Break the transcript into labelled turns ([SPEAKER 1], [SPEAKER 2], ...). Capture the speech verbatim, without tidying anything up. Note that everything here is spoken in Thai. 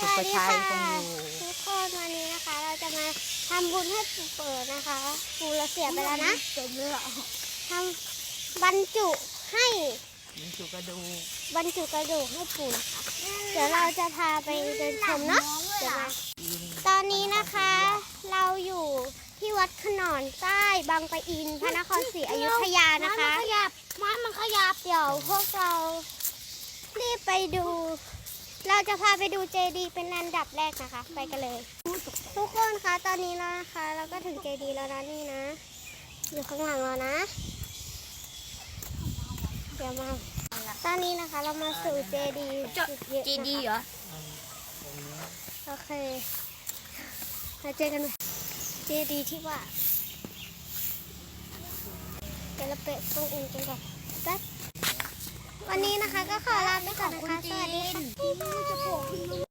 [SPEAKER 1] สุภชัยคงอยู่
[SPEAKER 2] ทุกคนวันนี้นะคะ เราจะมาทำบุญให้ปู่เปิดนะคะปู่เราเสียไปแล้วนะเต็มเลยทำบรรจุให้
[SPEAKER 1] บรรจุกระดูก
[SPEAKER 2] บรรจุกระดูกให้ปู่นะคะเดี๋ยวเราจะพาไปเดินชมเนาะเดี๋ยวมาตอนนี้นะคะ เราอยู่ที่วัดขนอนใต้บางปะอินพระนครศรีอยุธยานะคะมันขยับมันขยับเดี๋ยวพวกเรารีบไปดู เราจะพาไปดูเจดีย์เป็นอันดับแรกนะคะ ไปกันเลย ทุกคนคะตอนนี้แล้วนะคะ เราก็ถึงเจดีย์แล้วนะนี่นะ อยู่ข้างหลังเรานะ เดี๋ยวมาตอนนี้นะคะ เรามาสู่เจดีย์จุดเยอะ
[SPEAKER 3] เจดีย์เหรอ
[SPEAKER 2] โอเคมาเจอกันไหมเจดีย์ที่ว่าเดี๋ยวเราเปิดตรงอื่นกันก่อนแป๊บวันนี้นะคะก็ขอลาไปก่อนนะคะ สวัสดีค่ะ